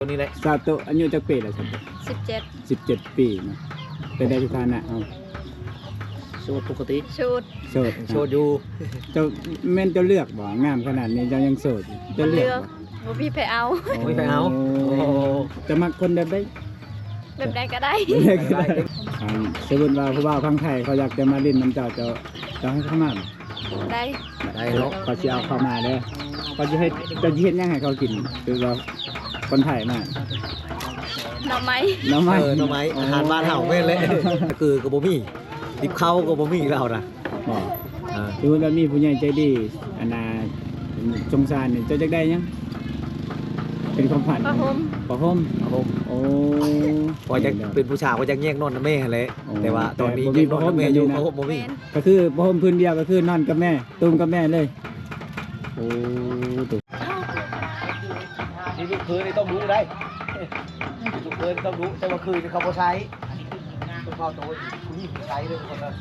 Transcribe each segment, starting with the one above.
ตัวนี้แหละซาโตะอายุจักปีแล้วครับ 17 ปีเนาะเป็นได้สถานะเอาโสดปกติชุดโสดโสดอยู่เจ้าแม่นเจ้าเลือกบ่งามขนาดนี้เจ้ายังโสดเจ้าเลือกบ่บ่พี่ไปเอาไม่ไปเอาจะมักคนแบบใดแบบใดก็ได้สมมุติว่าผู้บ่าวพังไทยเขาอยากจะมาเล่นน้ำเจ้าจะให้เข้ามาบ่ได้ได้เนาะเขาสิเอาเข้ามาเด้อเขาจะให้เจะเฮ็ดหยังให้เขากินคือว่าคนไทยมาหน่อไม้น้ำไม้หน่อไม้อาหารบ้านเฮาแม่นเลยคือก็บ่มีดิบเข้าก็บ่มีแล้วนะบ่คือว่ามีผู้ใหญ่ใจดีอันน่ะสงสารนี่เจ้าจักได้หยังเป็นความฝันผ้าห่มผ้าห่มครับผมโอ้พอจะเป็นผู้ชายก็จะแยกนอนกับแม่แหละแต่ว่าตอนนี้แต่บ่มีแยกนอนกับแม่อยู่เพราะบ่มีแม่นก็คือผ้าห่มพื้นเดียวก็คือนอนกับแม่ตุ้มกับแม่เลยโอ้ตุ๊นี่ลูกคืนนี่ต้องรู้ได้ลูกคืนต้องรู้แต่ว่าคืนนี่เขาบ่ใช้ต้องเข้าตัวผู้หญิงใช้เลยทุกคนเลย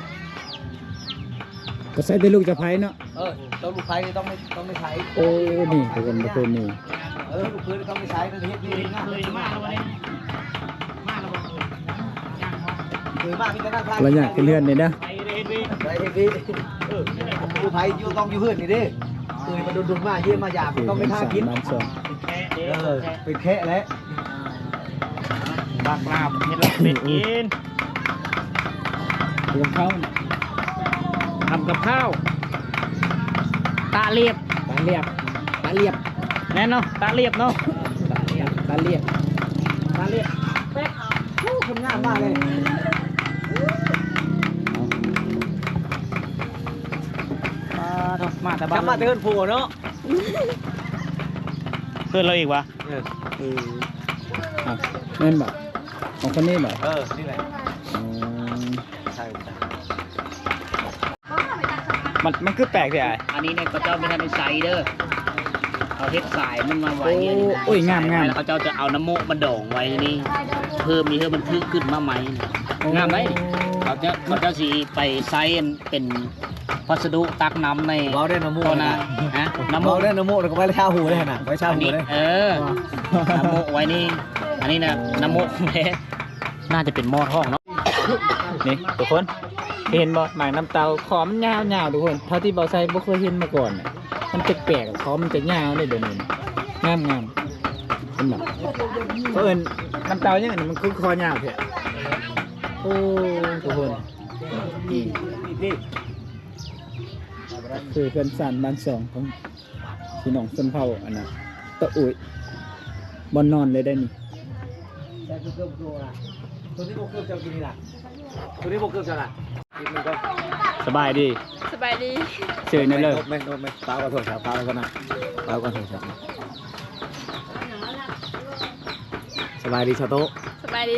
ก็ใส่แต่ลูกจะไผเนาะต้องลูกไฟนี่ต้องไม่ใช้โอ้นี่ทุกคนทุกคนนี่ลูกคืนต้องไม่ใช้ต้องเฮ็ดนี่นะคือมากมีแต่นั่งทานเราอยากขึ้นเรือนนี่นะไปเฮ็ดนี่ลูกไฟอยู่ต้องอยู่เฮือนนี่ดิมันดุนๆมาเยี่ยมมาหยาบต้องไม่ท่ากินบ้านสองเป็นแค่แล้วบากลาบเห็ดลาบเป็ดกินรวมเข้าทำกับข้าวตาเรียบตาเรียบตาเรียบแน่นเนาะตาเรียบเนาะตาเรียบตาเรียบตาเรียบคนงามมากเลยมาแต่บ้านจำมาเดินผัวเนาะเพื่อนเราอีกวะอ่ะแม่นบ่ของคนนี้บ่นี่แหละอ๋อใช่มันคือแปลกสิไอ้อันนี้เนี่ยเขาเจ้าไม่ทันได้ใส่เด้อเขาเฮ็ดสายมันมาไว้เนี่ยโอ้ยงามงามแล้วเขาเจ้าจะเอาน้ำโมกมาดองไว้นี่เพิ่มนี่เพื่อมันทึกขึ้นมาใหม่งามไหมเขาจะสีไปไซน์เป็นวัสดุตักน้ำในเบาได้น้ำมูกตัวน่ะฮะน้ำโมเบาก ได้น้ำมูกแล้วก็ไว้ชาหูได้น่ะไว้ชาอันหูนี้ได้น้ำโมกไว้นี่อันนี้นะน้ำโมกแท้น่าจะเป็นหม้อทองเนาะนี่ทุกคนเห็นบ่หมากน้ำเตาขอมันยาวๆทุกคนเท่าที่เบาไซบ่เคยเห็นมาก่อนน่ะมันแปลกๆขอมันจะยาวเลยเดี๋ยวนี้งามงามเป็นแบบเพิ่นน้ำเตาอย่างนี้มันคือคอยาวแท้โอ้ทุกคนนี่คือเพื่อนสานบ้านสองของพี่น้องชนเผ่าอันน่ะตะอุ่ยบอนนอนเลยได้นี่ตัวนี้โบเกือบจะกินนี่ล่ะตัวนี้โบเกือบจะล่ะกินมันก็สบายดีสบายดีเฉยนั่นเลยไม่ปลาก็โทษครับปลาก็นะปลาก็โทษครับสบายดีชาโต้สบายดี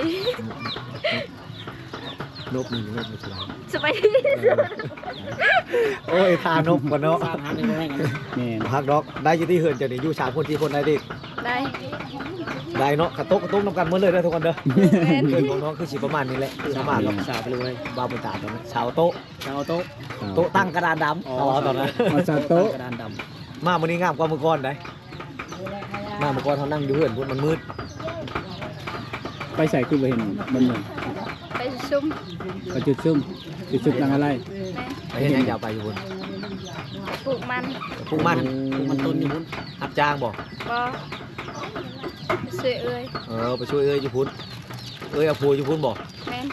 นกมีนกมีสบายสบายดีโอ้ยทานกกันเนาะนี่พักดอกได้ยี่ที่เหินจะนี่อยู่3 คน4 คนได้ดิได้ได้เนาะกระตุกน้ำกันเมื่อเลยนะทุกคนเด้อแม่นเหินของน้องคือสิประมาณนี้แหละคือประมาณเราสาวไปเลยบ้าไปตาตอนนั้นสาวโต๊ะโต๊ะโต๊ะตั้งกระดานดำอ๋อตอนนั้นมาซาโต๊ะกระดานดมาวันนี้งามกว่าเมื่อก่อนได้มาเมื่อก่อนเขานั่งอยู่เหินพุ่นมันมืดไปใส่คือไปเห็นมันเหมือนไปซุ่มไปจุดซุ่มนางอะไรไปเห็นยังยาวไปอยู่พุ่นปลูกมันปลูกมันต้นอยู่พุ่นรับจ้างบอกบ่สวยเอ้ยไปช่วยเอ้ยอยู่พุ่นเอ้ยเอาพัวอยู่พุ่นบอกแม่น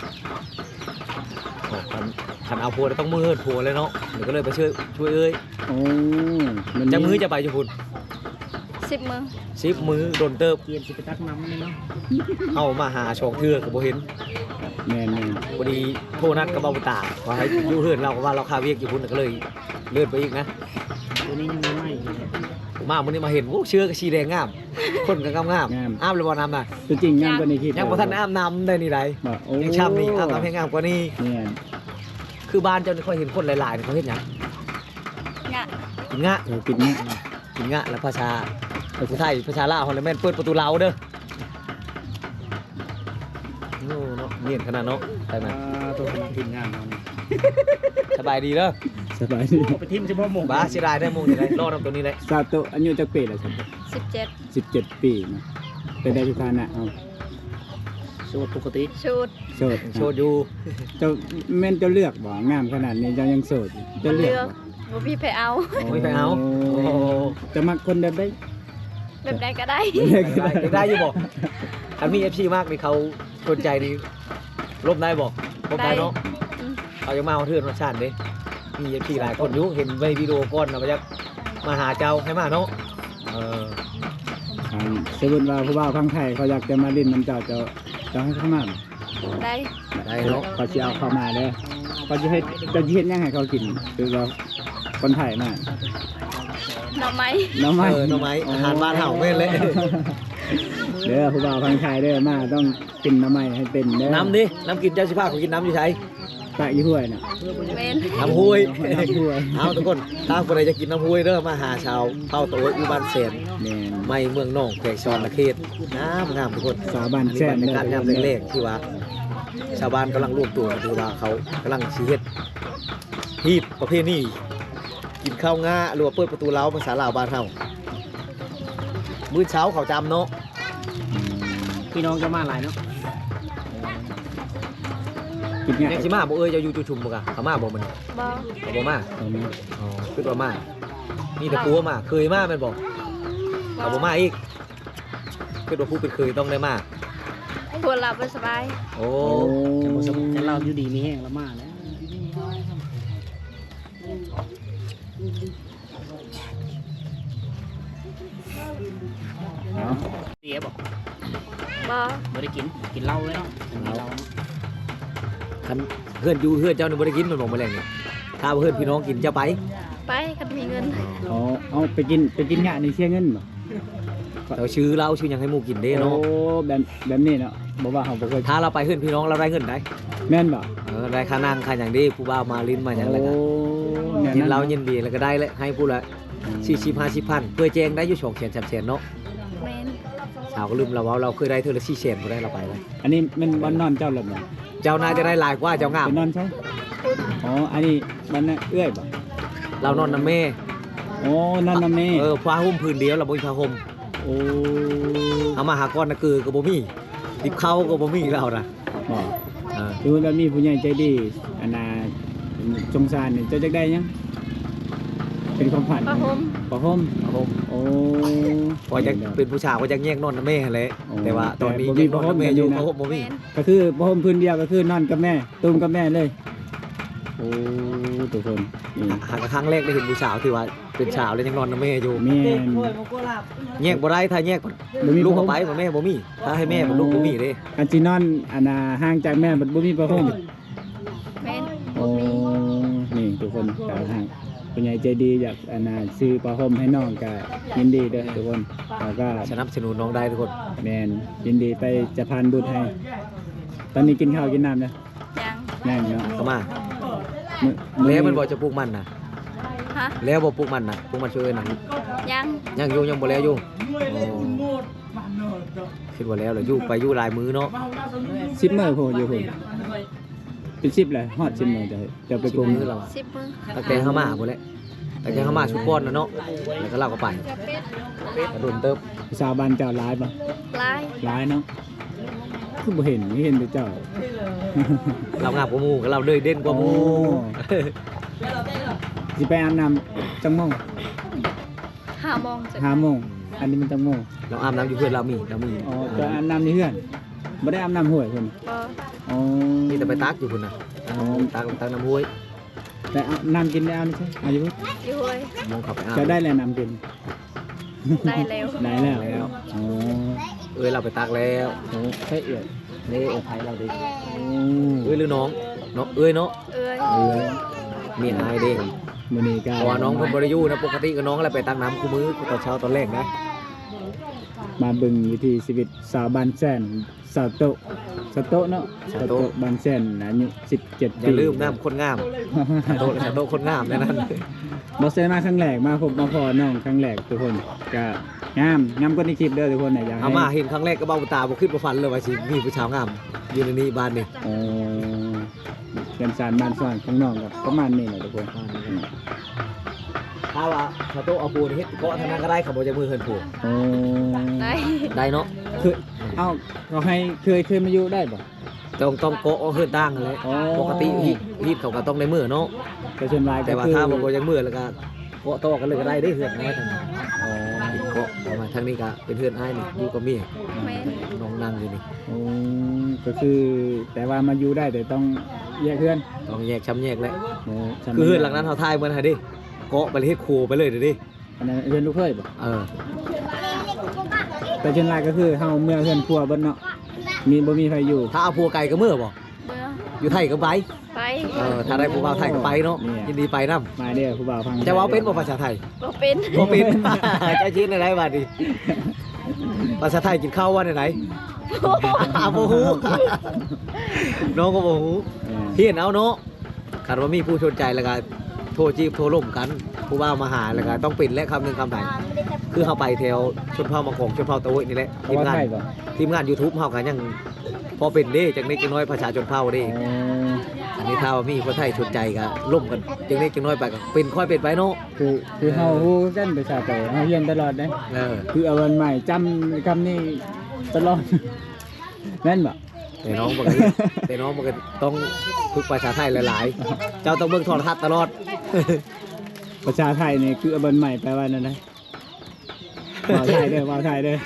ขันเอาพัวต้องมือเหินพัวเลยเนาะเดี๋ยวก็เลยไปช่วยเอ้ยโอ้มันจะมือจะไปอยู่พุ่น 10 มื้อ 10 มือโดนเติบำเกียนสิไปตักน้ำนี่เนาะเอามาหาชองเทือกกับโบเห็นแม่นพอดีโทรนัดกับเบาตาขอให้อยู่เหินเราก็ว่าเราคาเวียกอยู่พุ่นก็เลยเลื่อนไปอีกนะตัวนี้ยังไม่ไหม้อยู่มาวันนี้มาเห็นโอ้เชื้อกับชีแดงงามคนก็งามอ้ามเลยบ่น้ำน่ะตัวจริงยังกว่านี้คิดยังบ่ทันอ้ามน้ำได้นี่ไรบอกโอ้ยังช้ำนี่อ้ามน้ำให้งามกว่านี้เนี่ยคือบ้านเจ้านี่ค่อยเห็นคนหลายๆเขาเห็นหยังงะกินงะเธอกินเนี่ยกินงะแล้วภาษาไทยภาษาลาวฮอลแลนด์เปิดประตูเราเด้อโน่เนาะเนียนขนาดเนาะไปมาตัวคนกินงานสบายดีเด้อสบายดีไปทิมเฉพาะหมูบ้าเสียดายได้อโมงนี่ไรรอดตรงนี้เลยซาโตะอายุจักปีแล้วครับ 17 17 ปีเนาะเป็นได้ทุกฐานะเอาโสดปกติชุดโสดโชดอยู่เจ้าแม่นเจ้าเลือกบ่งามขนาดนี้เจ้ายังโสดเจ้าเลือกบ่บ่พี่ไปเอาไม่ไปเอาโอ้จะมักคนแบบได้แบบใดก็ได้ได้อยู่บอกอันมี FC มากนี่เขาสนใจนี่ลบได้บอกลบได้เนาะอืมเอายังมาเอาเทือนมาชาติเด้มี FC หลายคนอยู่เห็นในวิดีโอก่อนนะว่าจะมาหาเจ้าให้มาเนาะสมมุติว่าผู้บ่าวข้างไทยเขาอยากจะมาเล่นน้ำเจ้าจะให้เข้ามาได้ได้เนาะเขาสิเอาเข้ามาเด้อเขาจะเฮ็ดจะเฮ็ดหยังให้เขากินคือเราคนไทยมาหน่อไม้น้ำไม้หน่อไม้อาหารบ้านเฮาแม่นเลยเด้อผู้บ่าวข้างไทยเด้อมาต้องกินน้ำไม้ให้เป็นเด้อน้ำดิน้ำกินเจ้าสิพาเขากินน้ำอยู่ไสปะอยู่ห้วยน่ะเว้นน้ำห้วยน้ำห้วยเอาทุกคนถ้าคนใดจะกินน้ำห้วยเด้อมาหาชาวเผ่าโตอยู่บ้านแสนแม่นไม่เมืองน่องแขวงชอนละเขตงามทุกคนสาวบ้านอันนี้แซ่บรรยากาศยามแรกๆที่ว่าชาวบ้านกำลังรวมตัวกันคือว่าเขากำลังสิเฮ็ดฮีบประเภทนี้กินข้าวง่าหรือว่าเปิดประตูเล้าภาษาลาวบ้านเฮามื้อเช้าเขาจำเนาะพี่น้องจะมาหลายเนาะกินง่ายแม่งสิมาบ่เอ้ยจะอยู่จุชุมบ่กะเขามาบ่มันบ่เขาบ่มาเอามาอ๋อคิดว่ามามีแต่ปัวมาเคยมาแม่นบ่เขาบ่มาอีกคิดว่าผู้เป็นเคยต้องได้มาปวดหลับบ่สบายโอ้แต่บ่สมแต่เราอยู่ดีมีแห้งแล้วมาแล้วเอาเสียบอกบ่บ่ได้กินเหล้าเลยเนาะกินเหล้าเนาะคันเพื่อนอยู่เพื่อนเจ้านี่บ่ได้กินมันบ่แมลงนี่ถ้าเพื่อนพี่น้องกินจะไปไปคันมีเงินเอาไปกินงะนี่เสียเงินบ่เราชื่อเราชื่อหยังให้หมู่กินเด้เนาะโอ้แบบนี้เนาะบ่ว่าเฮาบ่เคยถ้าเราไปเพื่อนพี่น้องเราได้เงินได้แม่นบ่ได้ค่านั่งค่าหยังดีผู้บ่าวมาลิ้นมาหยังแล้วก็แม่กินเรายินดีแล้วก็ได้เลยให้ผู้ละ40 50พันเพื่อแจงได้อยู่2แสน3แสนเนาะแม่นสาวก็ลืมเราว่าเราเคยได้เทื่อละ4แสนบ่ได้เราไปเลยอันนี้มันบ่นอนเจ้าหลับบ่เจ้านายจะได้หลายกว่าเจ้างามไปนอนใช่อ๋ออันนี้มันน่ะเอื้อยบ่เรานอนนำแม่โอ้นอนนำแม่ผ้าห่มผืนเดียวเราบ่มีผ้าห่มโอ้เอามาหาก้อนน่ะคือก็บ่มีดิบเข้าก็บ่มีเราน่ะบ่เออดูแล้วมีผู้ใหญ่ใจดีอันน่ะสงสารนี่เจ้าจักได้ยังเป็นความฝันผ้าห่มผ้าห่มผ้าห่มโอ้พอจะเป็นผู้ชายก็จะแยกนอนนำแม่แหละโอ้แต่ว่าตอนนี้แต่บ่มีแยกนอนนำแม่อยู่ผ้าห่มผ้าห่มบ่มีแม่นก็คือผ้าห่มพื้นเดียวก็คือนอนกับแม่ตุ้มกับแม่เลยโอ้ทุกคนนี่หากครั้งแรกได้เห็นผู้สาวที่ว่าเป็นสาวแล้วยังนอนนำแม่อยู่แม่นแยกบ่ได้ถ้าแยกบ่มีลูกผ้าห่เอามไปบ่แม่บ่มีถ้าให้แม่บ่ลูกบ่มีเด้อันสินอนอันน่ะห่างจากแม่บัดบ่มีผ้าห่มแม่นโอ้บ่มีนี่ทุกคนกาวห่างผู้ใหญ่ใจดีอยากอันน่ะซื้อผ้าห่มให้น้องก็ยินดีเด้อทุกคนแล้วก็สนับสนุนน้องได้ทุกคนแม่นยินดีไปจะพานบุญให้ ตอนนี้กินข้าวกินน้ำนะยังยังเนาะเข้ามามื้อแล้วมันบ่จะปลูกมันน่ะฮะแล้วบ่ปลูกมันน่ะปลูกมันช่วยน่ะยังยังอยู่ยังบ่แล้วอยู่โอ้คิดว่าแล้วเหรออยู่ไปอยู่หลายมื้อเนาะ 10มื้อโพดอยู่พุ่นเป็น10เลยฮอด10มื้อจะไปกรุงมื้อแล้ว 10 มื้อตั้งแต่เฮามาพุ่นแหละตั้งแต่เฮามาชุดก้อนน่ะเนาะแล้วก็เราก็ไปกระโดนเติบสาวบ้านเจ้าหลายบ่ลายหลายเนาะคือบ่เห็นไม่เห็นแต่เจ้าเรางามกว่าหมู่ก็เราเลยเด่นกว่าหมู่โอ้สิไปอาบน้ำจังโมง 5 โมงจะ 5โมงอันนี้มันจังโมงเราอาบน้ำอยู่เพื่อนเรามีอ๋อจะอาบน้ำในเฮือนบ่ได้อาบน้ำห้วยพุ่นบ่อ๋อมีแต่ไปตักอยู่พุ่นน่ะตักน้ำห้วยแต่อาบน้ำกินได้เอานี่ใช่อายุพุ่นอยู่เว้ยมองเข้าไปอาบจะได้แลน้ำกินได้แล้วได้แล้วอ๋อเราไปตักแล้วโอ้ใช่เอียดนี่โอ้ไผเราดิโอ้หรือน้องเนาะเนาะเอ้ยมีอายเด้มื้อนี้ก็เพราะว่าน้องเพิ่นบ่ได้อยู่นะปกติก็น้องอะไรไปตักน้ำคู่มือตอนเช้าตอนแรกนะมาเบิ่งวิถีชีวิตสาวบ้านแซนสาวโตะสาวโตะเนาะสาวโตะบ้านแซนอายุ17 อย่าลืมน้ำคนงามโตโตคนงามในนั้นบ่เซมาครั้งแรกมาพบมาพอน้องครั้งแรกทุกคนก็งามกว่าในคลิปเด้อทุกคนน่ะอยากเอาให้มาเห็นครั้งแรกก็เบ้าตาบ่คิดบ่ฝันเลยว่าสิมีผู้ชาวงามอยู่ในนี้บ้านนี่อ๋อเรียนสารบ้านสอนของน้องก็ประมาณนี้แหละทุกคนถ้าว่าถ้าโตเอาปูนเฮ็ดเกาะทางนั้นก็ได้เขาบ่จะมือเฮินผูโอ้ได้ได้เนาะไคือเอาเขาให้เคยมาอยู่ได้บ่ต้องโกะเฮือนตั้งเลยอ๋อปกติฮีทเขาก็ต้องในมือเนาะแต่ส่วนหลายก็แต่ว่าคือถ้าบ่ยังมือแล้วก็โกะโตกันเลยก็ได้เฮือนน้อยทางนี้อ๋อโกะประมาณทางนี้ก็เป็นเฮือนอ้ายนี่อยู่กับเมียแม่นน้องนั่งอยู่นี่อืมก็คือแต่ว่ามาอยู่ได้แต่ต้องแยกเพื่อนต้องแยกช้ำแยกเลยโอ้ฉัคือเฮือนหลังนั้นเขาทายเหมือนหาดิโกะไปเลยเฮ็ดครูไปเลยเดี๋ยวดิอันนั้นเพื่อนลูกเคยบ่เออแต่ส่วนหลายก็คือเฮาเมื่อเพื่อนครัวเบิ่นเนาะมีบ่มีใครอยู่ถ้าเอาผัวไก่ก็มือบ่เมื่ออยู่ไทยก็ไปไปถ้าได้ผู้บ่าวไทยก็ไปเนาะยินดีไปนํมาเด้อผู้บ่าวฟังจะเว้าเป็นบ่ภาษาไทยบ่เป็นบ่เป็น เจ้าชื่ออะไรบัดนี้ภาษาไทยกินข้าวว่าไหนบ่ฮู้น้องก็บ่ฮู้เออเฮียนเอาเนาะคันว่ามีผู้สนใจแล้วก็โทรจีบโทรล่มกัน ผู้บ่าวมาหาแล้วก็ต้องปิดและคำหนึงคำไหนคือเฮาไปแถวชนเผ่ามังกรชนเผ่าตะโวยนี่แหละเขาว่าไทยบ่ทีมงาน YouTube เฮาก็ยังพอเป็นเด้จังนิดจังน้อยภาษาชนเผ่าเด้อ๋ออันนี้ถ้าว่ามีคนไทยสนใจก็ล่มกันจังนิดจังน้อยไปก็เป็นค่อยเป็นไปเนาะคือเฮาฮู้กันภาษาไทยเฮาเรียนตลอดเด้เออคือเอาวันใหม่จำคำนี้ตลอด แม่นบ่แต่น้องมันก็แต่น้องมันก็ต้องฝึกภาษาไทยหลายๆ เจ้าต้องเบิ่งโทรทัศน์ตลอดภาษาไทยนี่คือเอาวันใหม่แปลว่านั่นนะว่าวไทยเด้อว่าวไทยเด้อ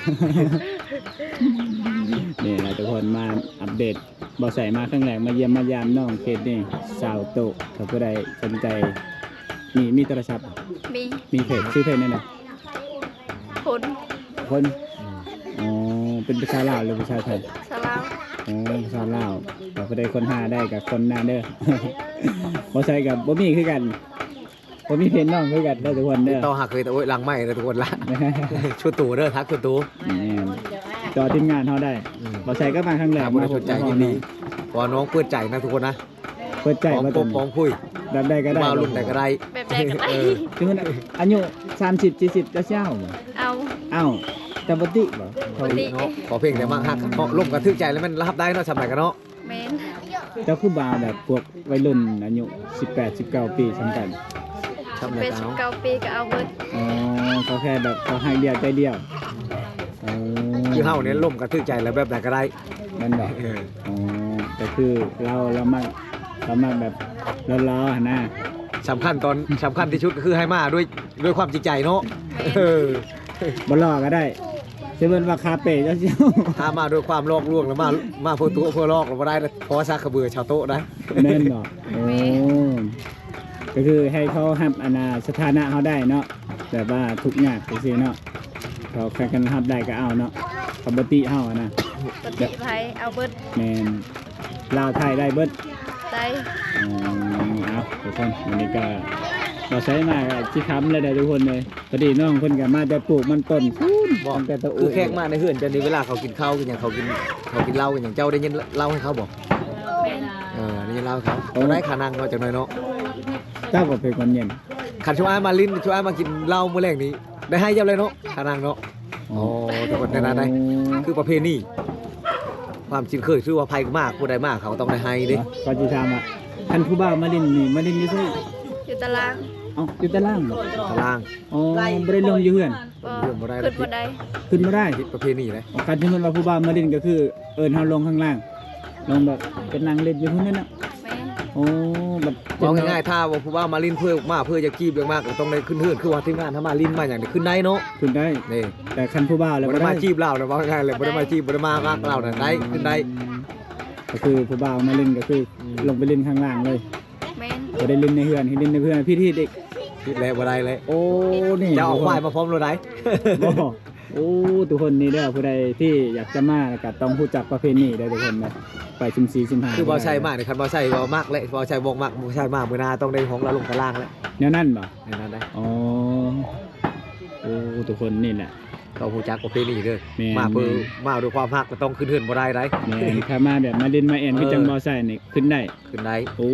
นี่นะทุกคนมาอัปเดตบ่ใส่มาครั้งแรกมาเยี่ยมมายามน้องเขตนี่สาวโตะถ้าผู้ใดสนใจมีโทรศัพท์มีมีเพจชื่อเพจนั่นน่ะคนคนอ๋อเป็นภาษาลาวหรือภาษาไทยสลาวอ๋อภาษาลาวถ้าผู้ใดคนหาได้กับคนหน้าเด้อ บ่ใส่กับบ่มีคือกันบ่มีเพจน้องคือกันเด้อทุกคนเด้อต่อหักเลยแต่โอ้ยหลังไม่เลยทุกคนละ ชุดตู่เด้อทักชุดตู่นี่จอทีมงานเขาได้บ่ใส่ก็มาครั้งแรกถามว่าสนใจยินดีพอน้องเปิดใจนะทุกคนนะเปิดใจพร้อมมาพตบพร้อมคุยดับได้ก็ได้มารุ่นแต่ก็ได้แบบใดก็ได้เออคือมันอายุ30 40จะเช้าบ่เอาเอ้าแต่บ่ติบ่บ่ติเนาะขอเพลงแต่มากฮักเพราะร่มกระทึกใจแล้วมันรับได้เนาะสมัยกันเนาะแม่นเจ้าคือบ่าวแบบพวกวัยรุ่นอายุ18 19 ปีสำคัญทำไรเป็นกันเนาะ 19ปีก็เอาเบิดอ๋อเขาแค่แบบเขาให้เดียวใจเดียวอ๋อคือเฮาเนี่ยร่มกระทึกใจแล้วแบบไหนก็ได้นั่นบ่เอออ๋อแต่คือเรามาแบบล้อๆนะสำคัญที่ชุดก็คือให้มาด้วยความจริงใจเนาะเออบ่ล้อก็ได้สิเบิ่นว่าคาเป้เจ้าเจ้าถ้ามาด้วยความลอกลวงแล้วมาเพื่อตัวเพื่อลอกเราบ่ได้นะเพราะว่าซักกระเบือชาวโต๊ะนะแม่นบ่โอ้ก็คือให้เขาฮับอนาสถานะเขาได้เนาะแบบว่าทุกข์ยากจังซี่เนาะเขาใครกันฮับได้ก็เอาเนาะปกติเฮาอะนะปฏิไผเอาเบิดแม่นลาวไทยได้เบิดได้เอาทุกคนวันนี้ก็เราใช้มาที่ค้ำเลยได้ทุกคนเลยพอดีน้องเพิ่นก็มาแต่ปลูกมันต้นบอกแต่ตะคือแขกมาในเฮือนจะนี่เวลาเขากินข้าวกันอย่างเขากินเหล้ากันอย่างเจ้าได้ยินเหล้าให้เขาบอกแม่นได้ยินเหล้าให้เขาเขาได้ขานังเขาจากหน่อยเนาะเจ้าก็เป็นคนเย็นขันช่วยมาลิ้นช่วยมากินเหล้าเมื่อแรกนี้ ได้ให้เจ้าเลยเนาะขานังเนาะโอ้ทุกคนในนั้นได้คือประเพณีความชินเคยชื่อว่าภัยมากผู้ใดมากเขาต้องได้ให้ดิก็จะทำอ่ะท่านผู้บ่าวมาเล่นนี่มาเล่นอยู่ที่อยู่ตารางเอ้าอยู่ตารางบ่ตารางอ๋อบ่ได้ลงอยู่เฮือนบ่เรื่องบ่ได้ขึ้นบ่ได้ขึ้นมาได้ผิดประเพณีเลยการที่มันว่าผู้บ่าวมาเล่นก็คือเอิ้นเฮาลงข้างล่างลงแบบเป็นนางเล่นอยู่พุ่นนั่นน่ะแม่นโอ้แบบบอกง่ายๆถ้าว่าผู้ว่ามาลิ้นเพื่อจะกีบเยอะมากก็ต้องได้ขึ้นเฮือนคือว่าทีมงานถ้ามาลิ้นมาอย่างนี้ขึ้นได้เนาะขึ้นได้นี่แต่คันผู้บ่าวแล้วบ่บ่ได้ได้มาจีบเรานะว่าง่ายเลยบ่ได้มาจีบบ่ได้มามากเราน่ะได้ขึ้นได้ก็คือผู้บ่าวมาเล่นก็คืออืมลงไปเล่นข้างล่างเลยแม่นบ่ได้เล่นในเฮือนให้เล่นในเฮือนพี่ที่เด็กคิดแล้วบ่ได้เลยโอ้นี่จะเอาควายมาพร้อมเราได้บ่โอ้ทุกคนนี่เด้อผู้ใดที่อยากจะมาก็ต้องรู้จักประเพณีเด้อทุกคนนะไป14 15 คือบ่ใช่มากนี่คันบ่ใช่บ่มากเลยบ่ใช่บ่มากบ่ใช่มากมื้อหน้าต้องได้ของเราลงตารางแล้วแนวนั้นบ่ในนั้นได้อ๋อโอ้ทุกคนนี่แหละต้องฮู้จักประเพณีเด้อแม่นมาเพื่อมาด้วยความรักก็ต้องขึ้นเฮือนบ่ได้ได้แม่นถ้ามาแบบมาเล่นมาแอนคือจังบ่ใส่นี่ขึ้นได้ขึ้นได้โอ้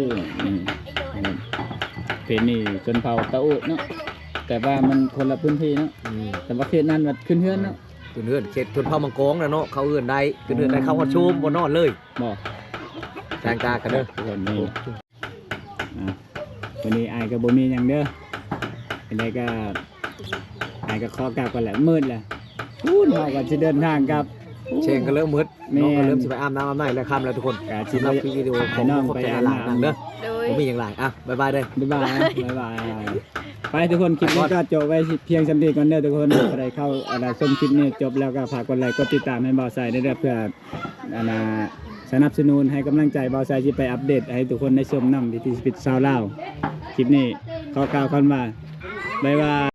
เพจนี่ชนเผ่าตะอุเนาะแต่ว่ามันคนละพื้นที่เนาะอืมแต่ว่าเขตนั้นมันขึ้นเฮือนเนาะขึ้นเฮือนเขตชนเผ่ามังกรนะเนาะเขาเฮือนได้ขึ้นเฮือนได้เข้าฮอดชุมบ่นอนเลยบ่แตงตากันเด้อทุกคนนี่วันนี้อายก็บ่มีหยังเด้อเป็นไดก็อายก็ขอกลับกันแหละมืดแหละพูดเราก็จะเดินทางกับเชงก็เริ่มมืดแม่นน้องก็เริ่มสิไปอาบน้ำอาบในแล้วค่ำแล้วทุกคนกะสิสำหรับคลิปวิดีโอของน้องขอบไปใจอาบหลายน้ำๆเด้อโดยผมมีอย่างไรบ๊ายบายเด้อบ๊ายบายนะบ๊ายบายไปทุกคนคลิปนี้ก็จบไว้เพียงสำเร็จก่อนเด้อทุกคนอะไรเข้าอะไรชมคลิปนี้จบแล้วก็ฝากกดไลค์กดติดตามให้บ่าวไซได้ด้วยเพื่อสนับสนุนให้กำลังใจบ่าวไซที่ไปอัปเดตให้ทุกคนได้ชมนำวิถีชีวิตชาวลาวคลิปนี้ขอกล่าวคำว่าบ๊ายบาย